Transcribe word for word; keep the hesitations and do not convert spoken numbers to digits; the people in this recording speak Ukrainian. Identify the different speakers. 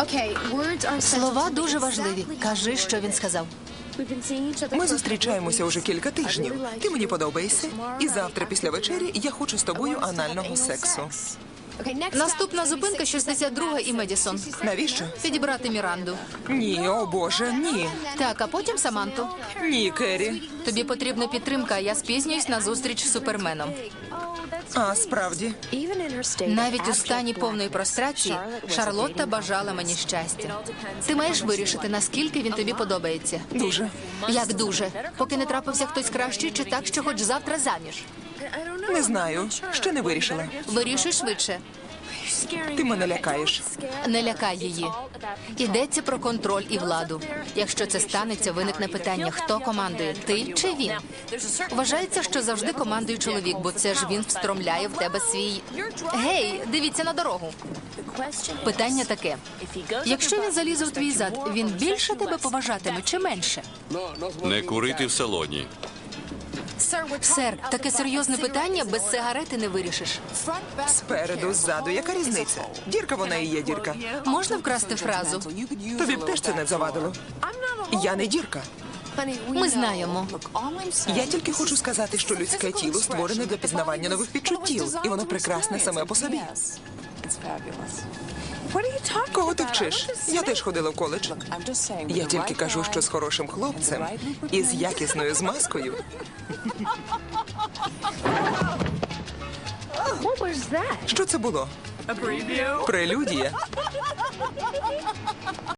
Speaker 1: Слова дуже важливі. Кажи, що він сказав.
Speaker 2: Ми зустрічаємося уже кілька тижнів. Ти мені подобаєшся. І завтра після вечері я хочу з тобою анального сексу.
Speaker 1: Наступна зупинка шістдесят друга і Медісон.
Speaker 2: Навіщо?
Speaker 1: Підібрати Міранду.
Speaker 2: Ні, о боже, ні.
Speaker 1: Так, а потім Саманту.
Speaker 2: Ні, Керрі.
Speaker 1: Тобі потрібна підтримка, а я спізнююсь на зустріч з Суперменом.
Speaker 2: А, справді.
Speaker 1: Навіть у стані повної прострації Шарлотта бажала мені щастя. Ти маєш вирішити, наскільки він тобі подобається.
Speaker 2: Дуже.
Speaker 1: Як дуже? Поки не трапився хтось кращий, чи так, що хоч завтра заміж?
Speaker 2: Не знаю. Ще не вирішила.
Speaker 1: Вирішуй швидше.
Speaker 2: Ти мене лякаєш.
Speaker 1: Не лякай її. Йдеться про контроль і владу. Якщо це станеться, виникне питання, хто командує, ти чи він? Вважається, що завжди командує чоловік, бо це ж він встромляє в тебе свій... Гей, дивіться на дорогу. Питання таке. Якщо він залізе у твій зад, він більше тебе поважатиме чи менше?
Speaker 3: Не курити в салоні.
Speaker 1: Сер, таке серйозне питання без сигарети не вирішиш.
Speaker 2: Спереду, ззаду. Яка різниця? Дірка вона і є дірка.
Speaker 1: Можна вкрасти фразу?
Speaker 2: Тобі б теж це не завадило. Я не дірка.
Speaker 1: Ми знаємо.
Speaker 2: Я тільки хочу сказати, що людське тіло створене для пізнавання нових відчуттів. І воно прекрасне саме по собі. Кого ти вчиш? Я теж ходила в коледж. Я тільки кажу, що з хорошим хлопцем і з якісною змазкою. Що це було? Прелюдія.